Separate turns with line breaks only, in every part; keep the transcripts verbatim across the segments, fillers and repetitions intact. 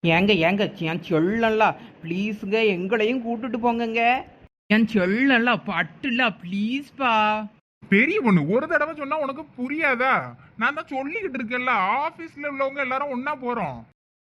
ஏங்க ஏங்க என் சொல்லல ப்ளீஸுங்க எங்களையும் கூட்டிட்டு போங்கங்க. என் சொல்லல பட்டுல ப்ளீஸ்பா.
பெரிய பொண்ணு ஒரு தடவை சொன்னா உனக்கு புரியாதா? நான் தான் சொல்லிக்கிட்டு இருக்கேன்ல, ஆபீஸ்ல உள்ளவங்க எல்லாரும் ஒன்னா போறோம்.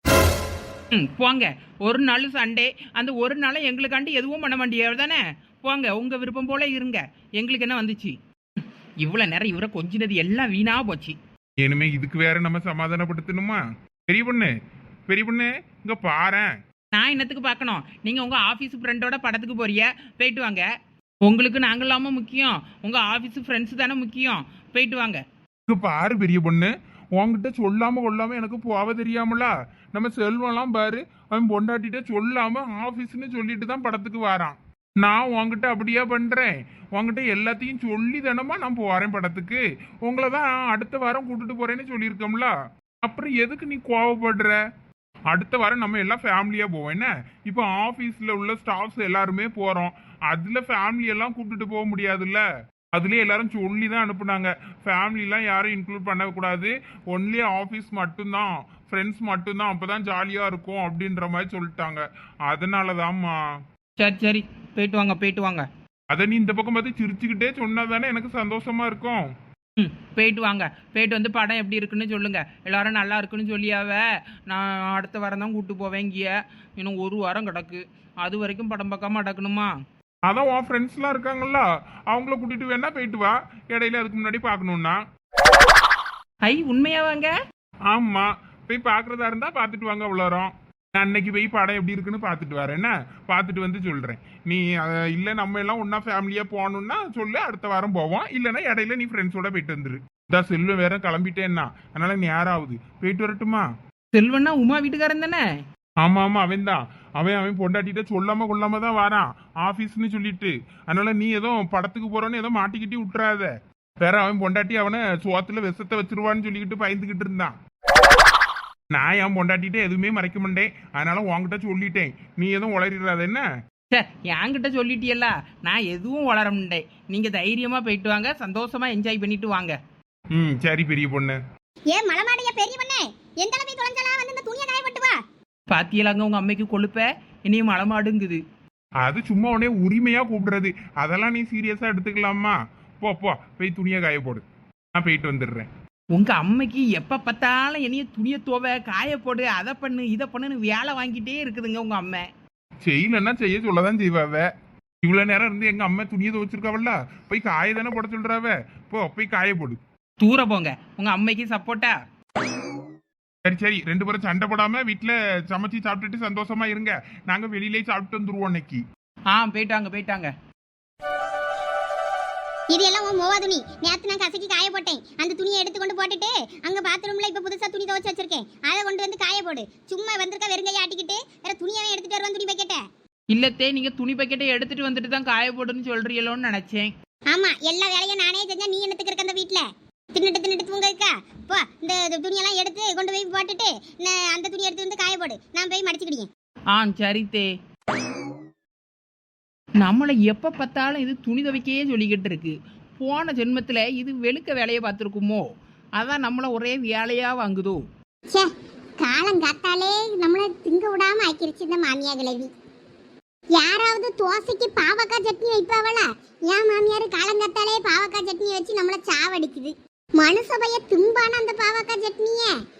ம் போங்க. ஒரு நாள் சண்டே, அந்த ஒரு நாளை எங்களுக்காண்டி எதுவும் பண்ண மாட்டேன் தானே. போங்க, உங்க விருப்பம் போல இருங்க. எங்களுக்கு என்ன வந்துச்சு? இவ்வளவு நேரம் இவரை கொஞ்சினது எல்லாம் வீணா போச்சு.
இனிமே இதுக்கு வேற நம்ம சமாதானப்படுத்தணுமா? பெரிய பொண்ணு பெரிய பொண்ணு இங்க பாரேன்.
நான் என்னத்துக்கு பார்க்கணும்? நீங்க உங்க ஆபீஸ் ஃப்ரெண்டோட படத்துக்கு போறிய, போயிட்டு வாங்க. உங்களுக்கு நாங்கள் இல்லாம முக்கியம், உங்க ஆபீஸ் ஃப்ரெண்ட்ஸ் தானே முக்கியம். போயிட்டு வாங்க.
இங்க பாரு பெரிய பொண்ணு, உன்கிட்ட சொல்லாம கொள்ளாம எனக்கு போவ தெரியாமலா? நம்ம செல்வம்லாம் பாரு, அவன் பொண்டாட்டிட்ட சொல்லாம ஆபீஸ்னு சொல்லிட்டு தான் படத்துக்கு வரான். நான் உன்கிட்ட அப்படியே பண்றேன். உன்கிட்ட எல்லாத்தையும் சொல்லி தானமா நான் போறேன் படத்துக்கு. உங்களை தான் அடுத்த வாரம் கூட்டிட்டு போறேன்னு சொல்லியிருக்கோம்ல, அப்புறம் எதுக்கு நீ கோவப்படுற? அடுத்த வாரம் நம்ம எல்லாம் ஃபேமிலியா போவோம். என்ன இப்போ ஆபீஸ்ல உள்ள ஸ்டாஃப்ஸ் எல்லாருமே போறோம், அதுல ஃபேமிலி எல்லாம் கூப்பிட்டுட்டு போக முடியாதுல்ல. அதுலயே எல்லாரும் சொல்லி தான் அனுப்புனாங்க, ஃபேமிலிலாம் யாரும் இன்க்ளூட் பண்ணக்கூடாது, ஒன்லி ஆஃபீஸ் மட்டும்தான், ஃப்ரெண்ட்ஸ் மட்டும்தான், அப்பதான் ஜாலியா இருக்கும் அப்படின்ற மாதிரி சொல்லிட்டாங்க. அதனாலதாம்மா.
சரி சரி, போயிட்டு வாங்க போயிட்டு வாங்க.
அதை நீ இந்த பக்கம் பார்த்து சிரிச்சுக்கிட்டே சொன்னா தானே எனக்கு சந்தோஷமா இருக்கும்.
ம் போயிட்டு வாங்க. போயிட்டு வந்து படம் எப்படி இருக்குன்னு சொல்லுங்க. எல்லாரும் நல்லா இருக்குன்னு சொல்லியாவ. நான் அடுத்த வாரம் தான் கூப்பிட்டு போவேன். இங்கேய இன்னும் ஒரு வாரம் கிடக்கு, அது வரைக்கும் படம் பார்க்காம அடக்கணுமா?
அதான் உன் ஃப்ரெண்ட்ஸ்லாம் இருக்காங்கல்ல, அவங்கள கூட்டிட்டு வேணா போயிட்டு வா, இடையில அதுக்கு முன்னாடி பார்க்கணும்னா.
ஐ உண்மையாவாங்க?
ஆமா, போய் பார்க்கறதா இருந்தா பார்த்துட்டு வாங்க அவ்வளோரம். நான் அன்னைக்கு போய் படம் எப்படி இருக்குன்னு பார்த்துட்டு வரேன். என்ன பார்த்துட்டு வந்து சொல்றேன். நீ இல்லை நம்ம எல்லாம் ஒன்னா ஃபேமிலியா போகணும்னா சொல்லு, அடுத்த வாரம் போவோம். இல்லைன்னா இடையில நீ ஃப்ரெண்ட்ஸோட போயிட்டு வந்துரு. இதான் செல்வம் வேற கிளம்பிட்டேன்னா, அதனால நேரம் ஆகுது, போயிட்டு வரட்டுமா?
செல்வன்னா உமா வீட்டுக்காரன் தானே?
ஆமா ஆமா, அவன் தான். அவன் அவன் பொண்டாட்டிட்ட சொல்லாம கொள்ளாம தான் வரான் ஆபீஸ்ன்னு சொல்லிட்டு. அதனால நீ ஏதோ படத்துக்கு போறோன்னு ஏதோ மாட்டிக்கிட்டி விட்டுறாத. வேற அவன் பொண்டாட்டி அவனை சோத்துல விஷத்தை வச்சிருவான்னு சொல்லிக்கிட்டு பயந்துகிட்டு இருந்தான். நான் என் பொண்டாட்டிட்ட எதுவுமே மறைக்க மாட்டேன், அதனால உன்கிட்ட சொல்லிட்டேன், நீ எதுவும் உளறிடாத. என்ன
என்கிட்ட சொல்லிட்டியல்ல, நான் எதுவும் வளர முடியேன். நீங்க தைரியமா போயிட்டு வாங்க, சந்தோஷமா என்ஜாய் பண்ணிட்டு வாங்க.
ம் சரி பெரிய பொண்ணு.
ஏ மலமாடிய பெரிய பொண்ணு, எந்த அளவுக்கு தொலைஞ்சலாம் வந்து இந்த துணியை காய போட்டு வா.
பாத்தியலாங்க உங்க அம்மைக்கு கொழுப்ப, இனியும் மலமாடுங்குது.
அது சும்மா உடனே உரிமையா கூப்பிடுறது, அதெல்லாம் நீ சீரியஸா எடுத்துக்கலாமா? போ போ, போய் துணியை காய போடு, நான் போயிட்டு வந்துடுறேன்.
உங்க அம்மைக்கு எப்ப பார்த்தாலும் என்னைய துணியை துவ காய போடு, அதை பண்ணு இதை பண்ணுன்னு வேலை வாங்கிட்டே இருக்குதுங்க உங்க அம்மை.
செய்யலன்னா செய்ய சொல்லதான் செய்வாவ. இவ்வளவு நேரம் இருந்து எங்க அம்மா துணியை துவச்சிருக்காவல்ல, போய் காய தானே போட சொல்றாவ. போ போய் காய போடு.
தூர போங்க, உங்க அம்மைக்கு சப்போர்ட்டா.
சரி சரி, ரெண்டு பேரும் சண்டை போடாம வீட்டுல சமைச்சு சாப்பிட்டுட்டு சந்தோஷமா இருங்க. நாங்க வெளியிலே சாப்பிட்டு வந்துருவோம் இன்னைக்கு.
ஆ போயிட்டாங்க போயிட்டாங்க.
இது எல்லாம் உன் மோவா துணி. நேத்து நான் கசக்கி காய போட்டேன், அந்த துணியை எடுத்து கொண்டு போட்டுட்டு அங்க பாத்ரூம்ல இப்ப புதுசா துணி துவைச்சு வச்சிருக்கேன், அதை கொண்டு வந்து காய போடு. சும்மா வந்திருக்க வெறுங்கையை ஆட்டிக்கிட்டு வேற துணியாவே எடுத்துட்டு வருவான் துணி பக்கெட்ட.
இல்லத்தே, நீங்க துணி பக்கெட்டை எடுத்துட்டு வந்துட்டு தான் காய போடுன்னு சொல்றீங்களோன்னு நினைச்சேன்.
ஆமா, எல்லா வேலையும் நானே செஞ்சா நீ என்னத்துக்கு இருக்க அந்த வீட்டுல? தின்னுட்டு தின்னுட்டு தூங்க இருக்கா? போ, இந்த துணியெல்லாம் எடுத்து கொண்டு போய் போட்டுட்டு அந்த துணி எடுத்து வந்து காய போடு, நான் போய் மடிச்சுக்கிட்டேன்.
ஆ சரித்தே. நம்மளை எப்ப பார்த்தாலும் இது துணி துவைக்கையே சொல்லிக்கிட்டு இருக்கு. போன ஜென்மத்துல இது வெளுக்க வேலையை பார்த்துருக்குமோ, அதான் நம்மள ஒரே வேலையா வாங்குதோ.
சே, காலம் காத்தாலே நம்மளை திங்க விடாம ஆக்கிருச்சு இந்த மாமியா கிழவி. யாராவது தோசைக்கு பாவக்காய் சட்னி வைப்பாவளா? ஏன் மாமியார் காலங்காத்தாலே பாவக்காய் சட்னி வச்சு நம்மள சாவடிக்குது. மனுஷபைய தும்பான அந்த பாவக்காய் சட்னிய.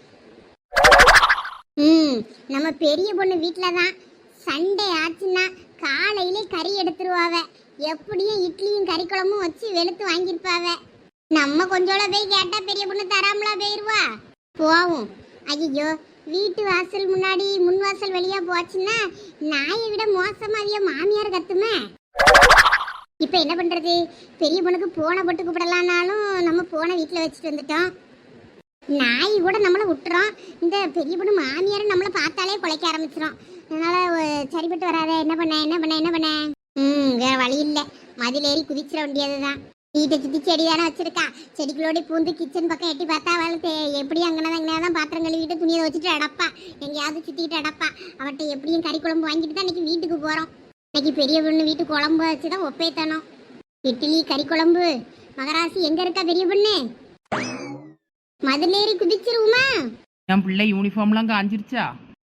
ம் நம்ம பெரிய பொண்ணு வீட்டுல தான் சண்டே ஆச்சுன்னா காலையிலே கறி எடுத்துருவாவ. எப்படியும் இட்லியும் கறி குழம்பும் வச்சு வெளுத்து வாங்கியிருப்பாவ. நம்ம கொஞ்சோட போய் கேட்டா பெரிய பொண்ணு தராமலா போயிருவா. போவோம். ஐயோ, வீட்டு வாசல் முன்னாடி முன் வாசல் வழியா போச்சுன்னா நாயை விட மோசமாவிய மாமியார் கத்துமே. இப்ப என்ன பண்றது? பெரிய பொண்ணுக்கு போனை போட்டு கூப்பிடலான்னாலும் நம்ம போனை வீட்டுல வச்சுட்டு வந்துட்டோம். நாய் கூட நம்மளை விட்டுறோம், இந்த பெரிய பொண்ணு மாமியார் நம்மளை பார்த்தாலே குலைக்க ஆரம்பிச்சிடும். அதனால சரிப்பட்டு வராத. என்ன பண்ண என்ன பண்ண என்ன பண்ண ம் வேற வழி இல்லை, மதில் ஏறி குதிச்சிட வேண்டியதுதான். வீட்டை சுற்றி செடி தானே வச்சிருக்கா, செடிகளோட பூந்து கிச்சன் பக்கம் எட்டி பார்த்தா அவளுக்கு எப்படி அங்கனா தான் பாத்திரம் கழுவிட்டு துணியை வச்சுட்டு அடப்பா, எங்கேயாவது சுற்றிக்கிட்டு அடப்பா. அவட்ட எப்படியும் கறி குழம்பு வாங்கிட்டு தான் இன்னைக்கு வீட்டுக்கு போகிறோம். இன்னைக்கு பெரிய பொண்ணு வீட்டு குழம்பு வச்சு தான் ஒப்பேத்தணும். இட்லி கறி குழம்பு. மகராசி எங்க இருக்கா பெரிய பொண்ணு? மதில் ஏறி குதிச்சிருவோமா?
என் பிள்ளை யூனிஃபார்ம்லாம் காஞ்சிருச்சா?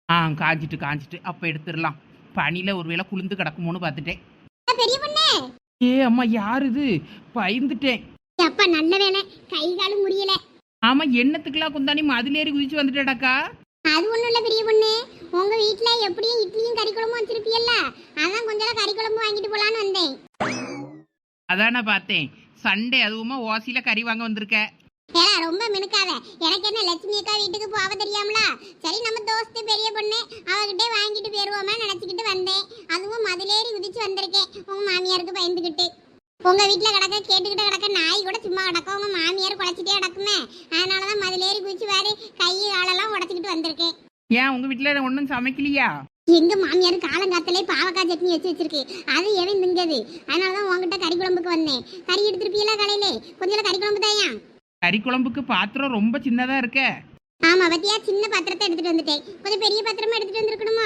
ஆ காஞ்சிட்டு காஞ்சிட்டு அப்போ எடுத்துடலாம். பனியில் ஒருவேளை குளிந்து கிடக்குமோன்னு பார்த்துட்டேன்.
பெரிய பொண்ணு
ஏ அம்மா யார் இது? பயந்துட்டேன்.
அப்பா நல்ல வேலை, கை காலும் முடியல.
ஆமாம் என்னத்துக்குலாம் குந்தாணி மதிலேறி குதிச்சு வந்துட்டேடாக்கா.
அது ஒண்ணும் இல்ல பெரிய பொண்ணு, உங்க வீட்ல எப்படியும் இட்லியும் கறி குழம்பும் வச்சிருப்பீல்ல, அதான் கொஞ்சம் கறி குழம்பு வாங்கிட்டு போலான்னு வந்தேன்.
அதான் நான் பார்த்தேன். சண்டே அதுவுமா ஓசியில கறி வாங்க வந்திருக்க.
ஏடா ரொம்ப மினுக்காத, எனக்கு என்ன லட்சுமி அக்கா வீட்டுக்கு போக தெரியாமலா? சரி நம்ம தோஸ்து பெரிய பொண்ணு அவகிட்டே வாங்கிட்டு போயிருவோமா நினைச்சுக்கிட்டு வந்தேன். அதுவும் மதிலேறி குதிச்சு வந்திருக்கேன் உங்க மாமியாருக்கு பயந்துகிட்டு. உங்க வீட்டுல கிடக்க கேட்டுக்கிட்ட கிடக்க நாய் கூட சும்மா கிடக்க, உங்க மாமியார் குழச்சிட்டே கிடக்குமே, அதனாலதான் மதிலேறி குதிச்சு வாரு கை காலெல்லாம் உடச்சிக்கிட்டு வந்திருக்கேன்.
ஏன் உங்க வீட்டுல ஒன்றும் சமைக்கலையா?
எங்க மாமியார் காலங்காத்திலே பாவக்காய் சட்னி வச்சு வச்சிருக்கு, அது எவன் திங்கது. அதனாலதான் உங்ககிட்ட கறி குழம்புக்கு வந்தேன். கறி எடுத்துருப்பீங்களா காலையிலே? கொஞ்சம் கறி குழம்பு தாயா?
கறி குழம்புக்கு பாத்திரம் ரொம்ப சின்னதா இருக்க.
ஆமா பத்தியா, சின்ன பாத்திரத்தை எடுத்துட்டு வந்துட்டேன். கொஞ்சம் பெரிய பாத்திரமா எடுத்துட்டு வந்திருக்கணுமா?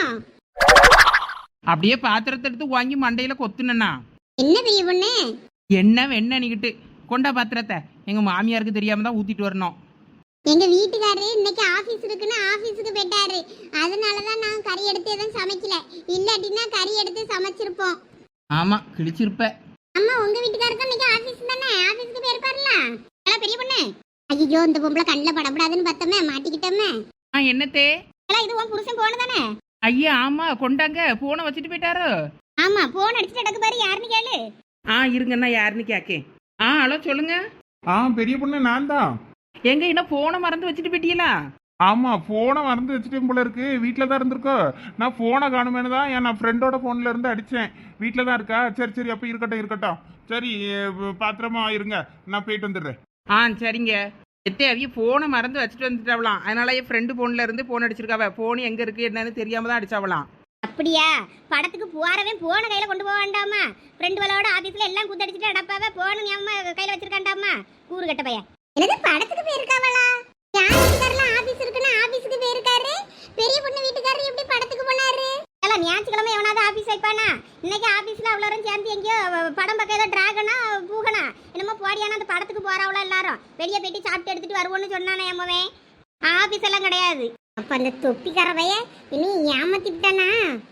அப்படியே பாத்திரத்தை எடுத்து வாங்கி மண்டையில கொத்துனா
என்ன பெரிய பொண்ணு?
என்ன வெண்ணனிக்கிட்டு கொண்டா பாத்திரத்தை. எங்க மாமியாருக்கு தெரியாம தான் ஊத்திட்டு வரணும்.
எங்க வீட்டுக்காரரு இன்னைக்கு ஆபீஸ் இருக்குன்னு ஆபீஸுக்கு போயிட்டாரு, அதனாலதான் நான் கறி எடுத்து எதுவும் சமைக்கல. இல்லாட்டினா கறி எடுத்து சமைச்சிருப்போம்.
ஆமா கிழிச்சிருப்ப.
அம்மா உங்க வீட்டுக்காரருக்கு இன்னைக்கு ஆபீஸ் தானே, ஆபீஸ்க்கு போயிருப்பாருல. பெரிய பொண்ணு, ஐயோ இந்த பொம்பளை கண்ணில் படப்படாதுன்னு பார்த்தோமே, மாட்டிக்கிட்டோமே.
ஆ என்னத்தே?
இது உன் புருஷன் போன தானே?
ஐயா ஆமா கொண்டாங்க. போனை வச்சுட்டு போயிட்டாரோ?
ஆமா போன் அடிச்சுட்டு அடக்கு பாரு, யாருன்னு கேளு.
ஆ இருங்கண்ணா யாருன்னு கேக்கேன். ஆ ஹலோ சொல்லுங்க.
ஆ பெரிய பொண்ணு நான் தான்.
எங்க என்ன போனை மறந்து வச்சுட்டு போயிட்டீங்களா?
ஆமா போனை மறந்து வச்சுட்டேன் போல இருக்கு. வீட்டில் தான் இருந்திருக்கோ. நான் போனை காணுமேனு தான் என் நான் ஃப்ரெண்டோட ஃபோன்ல இருந்து அடித்தேன். வீட்டில் தான் இருக்கா? சரி சரி அப்போ இருக்கட்டும் இருக்கட்டும். சரி பாத்திரமா இருங்க, நான் போயிட்டு வந்துடுறேன்.
ஆ சரிங்க. எத்தே அவிய போனை மறந்து வச்சுட்டு வந்துட்டாவலாம். அதனால என் ஃப்ரெண்டு போன்ல இருந்து போன் அடிச்சிருக்காவ. போன் எங்க இருக்கு என்னன்னு தெரியாம தான் அடிச்சாவலாம்.
அப்படியா? படத்துக்கு போறவன் போன கையில கொண்டு போக வேண்டாமா? ஃப்ரெண்டுகளோட ஆபீஸ்ல எல்லாம் குத்தடிச்சிட்டு அடப்பாவ போன ஞாபகம் கையில வச்சிருக்காண்டாமா கூறு கட்ட பையன். எனக்கு படத்துக்கு போயிருக்காவளா? யார் வீட்டுக்காரலாம் ஆபீஸ் இருக்குன்னா ஆபீஸ்க்கு போயிருக்காரு. பெரிய பொண்ணு வீட்டுக்காரர் எப்படி படத்துக்கு போனாரு? எல்லாம் ஞாயிற்றுக்கிழமை எவனாவது ஆபீஸ் வைப்பானா? இன்னைக்கு ஆபீஸ்ல அவ்வளோரும் சேர்ந்து எங்கேயோ படம் பக்கம் ஏதோ டிராகனா பூகனா என்னமோ போடியானா அந்த படத்துக்கு போறவளோ எல்லாரும் வெளியே போயிட்டு சாப்பிட்டு எடுத்துட்டு வருவோன்னு சொன்னானே அம்மவே. ஆபீஸ் எல்லாம் கிடையாது. அப்ப அந்த தொப்பிக்கார பையன் இன்னும் ஏமாத்திட்டானா?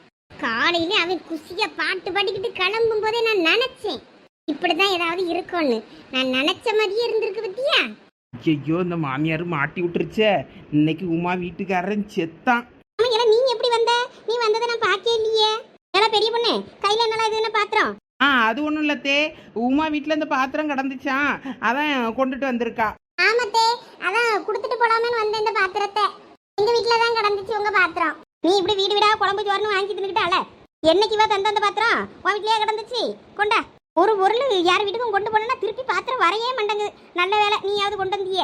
காலையில அவன் குசியா பாட்டு பாடிக்கிட்டு கிளம்பும் போதே நான் நினைச்சேன் இப்படிதான் ஏதாவது இருக்கும்னு. நான் நினைச்ச மாதிரியே இருந்திருக்கு பத்தியா?
ஐயோ இந்த மாமியார் மாட்டி விட்டுருச்சே. இன்னைக்கு உமா வீட்டுக்காரன் செத்தான்.
நீ எப்படி வந்த? நீ வந்ததை நான் பார்க்கவே இல்லையே. எல்லாம் பெரிய பொண்ணு கையில என்னலாம் இது என்ன பாத்திரம்?
ஆ அது ஒன்றும் இல்லத்தே, உமா வீட்டில் இந்த பாத்திரம் கிடந்துச்சான், அதான் கொண்டுட்டு வந்திருக்கா.
ஆமாத்தே, அதான் கொடுத்துட்டு போலாமேன்னு வந்த இந்த பாத்திரத்தை. எங்க வீட்டுல தான் கிடந்துச்சு உங்க பாத்திரம். நீ இப்படி வீடு வீடா குழம்பு சோறுன்னு வாங்கி தின்னுக்கிட்டால என்னைக்கு வா தந்த அந்த பாத்திரம் உன் வீட்லயே கிடந்துச்சு. கொண்டா ஒரு பொருள் யார் வீட்டுக்கும் கொண்டு போனா திருப்பி பாத்திரம் வரையே மாட்டேங்குது. நல்ல வேலை நீயாவது கொண்டு வந்தியே.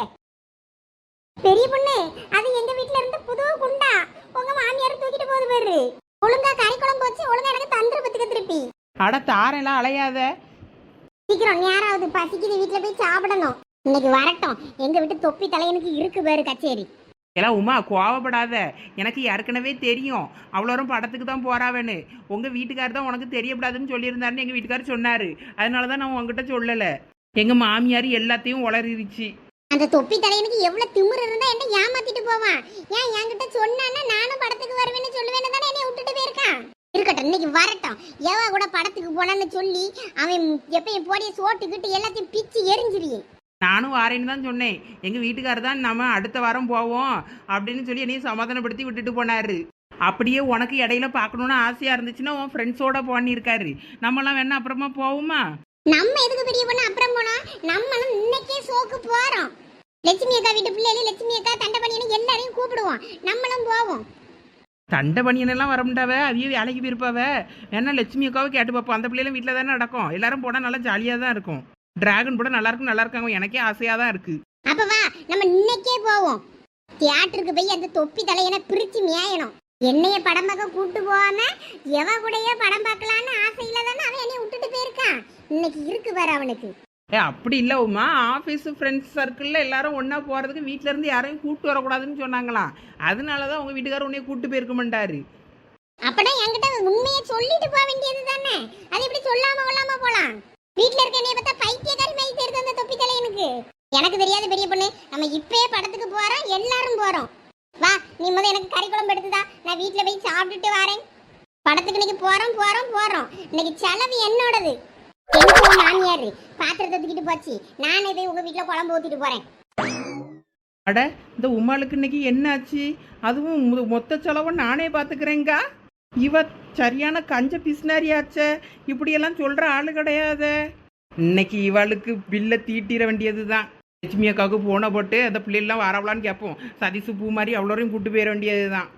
பெரிய பொண்ணு அது எங்க வீட்டுல இருந்து புது குண்டா உங்க மாமியார் தூக்கிட்டு போகுது பாரு. ஒழுங்கா கறி குழம்பு வச்சு ஒழுங்கா எனக்கு தந்துரு பத்துக்க திருப்பி.
அட தாரெல்லாம் அலையாத.
சீக்கிரம் யாராவது பசிக்குது வீட்டுல போய் சாப்பிடணும். இன்னைக்கு வரட்டும் எங்க வீட்டு தொப்பி தலையனுக்கு இருக்கு பாரு கச்சேரி.
எல்லாம் உமா கோவப்படாத. எனக்கு ஏற்கனவே தெரியும் அவ்வளோரும் படத்துக்கு தான் போறாவேன்னு. உங்க வீட்டுக்காரர் தான் உனக்கு தெரியப்படாதுன்னு சொல்லியிருந்தாருன்னு எங்க வீட்டுக்காரர் சொன்னாரு. அதனால தான் நான் உங்ககிட்ட சொல்லலை. எங்க மாமியார் எல்லாத்தையும் உளறிடுச்சு.
அந்த தொப்பி தலையனுக்கு எவ்வளவு திமிரு இருந்தா என்ன ஏமாத்திட்டு போவான். ஏன் என்கிட்ட சொன்னான்னா நானும் படத்துக்கு வருவேன்னு சொல்லுவேன்னு தானே என்னை விட்டுட்டு போயிருக்கான். இருக்கட்டும் இன்னைக்கு வரட்டும். எவ கூட படத்துக்கு போனான்னு சொல்லி அவன் எப்பயும் போடிய சோட்டுக்கிட்டு எல்லாத்தையும் பிச்சு எரிஞ்சிருயே.
நானும் வாரேன்னு தான் சொன்னேன். எங்கள் வீட்டுக்காரர் தான் நம்ம அடுத்த வாரம் போவோம் அப்படின்னு சொல்லி என்னையும் சமாதானப்படுத்தி விட்டுட்டு போனாரு. அப்படியே உனக்கு இடையில பார்க்கணுன்னு ஆசையாக இருந்துச்சுன்னா உன் ஃப்ரெண்ட்ஸோட போனிருக்காரு. நம்மளாம் வேணா அப்புறமா போவோமா?
நம்ம எதுக்கு பெரிய பொண்ணு அப்புறம் போனா? நம்மளும் இன்னைக்கே சோக்கு போறோம். லட்சுமி அக்கா வீட்டு பிள்ளைகள் லட்சுமி அக்கா தண்டை பண்ணின்னு எல்லாரையும் கூப்பிடுவோம். நம்மளும் போவோம்.
தண்டை பணியனெல்லாம் வர முடியாவ, அதையே வேலைக்கு போயிருப்பாவ. வேணா லட்சுமி அக்காவை கேட்டு பார்ப்போம். அந்த பிள்ளைகளும் வீட்டில் தானே நடக்கும். எல்லாரும் போனால் நல்லா ஜாலியாக தான் இருக்கும். டிராகன் கூட நல்லா இருக்கும் நல்லா இருக்காங்க. எனக்கே ஆசையாக தான் இருக்கு.
அப்ப வா நம்ம இன்னைக்கே போவோம். தியேட்டருக்கு போய் அந்த தொப்பி தலையனை பிரிச்சு மேயணும். என்னைய படம் பார்க்க கூட்டு போவாம எவ கூடயே படம் பார்க்கலான்னு ஆசையில தானே அவன் என்னைய விட்டுட்டு போயிருக்கான். இன்னைக்கு இருக்கு பாரு அவனுக்கு.
ஏ அப்படி இல்லை உமா, ஆஃபீஸ் ஃப்ரெண்ட்ஸ் சர்க்கிளில் எல்லாரும் ஒன்றா போகிறதுக்கு வீட்டில இருந்து யாரையும் கூப்பிட்டு வரக்கூடாதுன்னு சொன்னாங்களாம். அதனால தான் உங்கள் வீட்டுக்காரர் உன்னைய கூப்பிட்டு போயிருக்க மாட்டாரு.
அப்படா என்கிட்ட உண்மையை சொல்லிட்டு போக வேண்டியது தானே. அது எப்படி சொல்லாம கொள்ளாம போலாம்? வீட்டுல இருக்க என்னைய பார்த்தா பைத்தியக்காரி மாதிரி தெரியுது அந்த தொப்பி தலையனுக்கு. எனக்கு தெரியாத பெரிய பொண்ணு, நம்ம இப்பயே படத்துக்கு போறோம், எல்லாரும் போறோம். வா நீ முதல்ல எனக்கு கறி குழம்பு எடுத்துதா, நான் வீட்ல போய் சாப்பிட்டுட்டு வரேன். படத்துக்கு இன்னைக்கு போறோம் போறோம் போறோம். இன்னைக்கு செலவு என்னோடது. எங்க உன் மாமியாரு பாத்திரத்தை தூக்கிட்டு போச்சு, நானே போய் உங்க வீட்ல குழம்பு ஊத்திட்டு போறேன்.
அட இந்த உமாளுக்கு இன்னைக்கு என்னாச்சு? அதுவும் மொ- மொத்த செலவை நானே பார்த்துக்கிறேங்கா. இவ சரியான கஞ்ச பிஸ்னாரியாச்சே, இப்படியெல்லாம் சொல்ற ஆளு கிடையாதே. இன்னைக்கு இவளுக்கு பில்லை தீட்டிட வேண்டியது தான். லட்சுமி அக்காவுக்கு போன போட்டு அந்த பிள்ளைலாம் வரவலான்னு கேட்போம். சதீசு பூ மாதிரி அவ்வளோரையும் கூட்டு போயிட வேண்டியது தான்.